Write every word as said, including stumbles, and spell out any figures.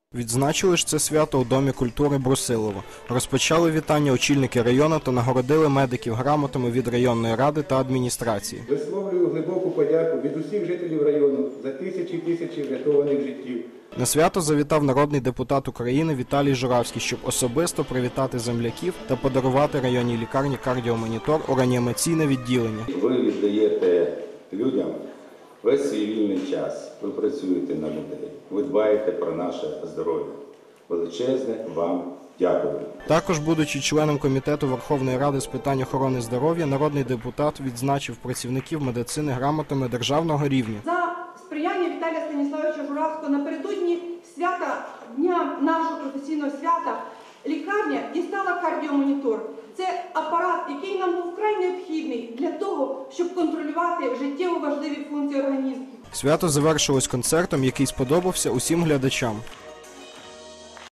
Відзначили ж це свято у Домі культури Брусилово. Розпочали вітання очільники району та нагородили медиків грамотами від районної ради та адміністрації. Висловлюю глибоку подяку від усіх жителів району за тисячі і тисячі врятованих життів. На свято завітав народний депутат України Віталій Журавський, щоб особисто привітати земляків та подарувати районній лікарні кардіомонітор у реанімаційне відділення. Ви віддаєте людям весь свій вільний час, ви працюєте на людей, ви дбаєте про наше здоров'я. Величезне вам дякую. Також, будучи членом комітету Верховної Ради з питань охорони здоров'я, народний депутат відзначив працівників медицини грамотами державного рівня. За сприяння Віталія Станіславовича Журавського напередодні свята, дня нашого професійного свята, лікарня дістала кардіомонітор. Це апарат, який нам був вкрай необхідний для того, щоб контролювати життєво важливі функції організму. Свято завершилось концертом, який сподобався усім глядачам.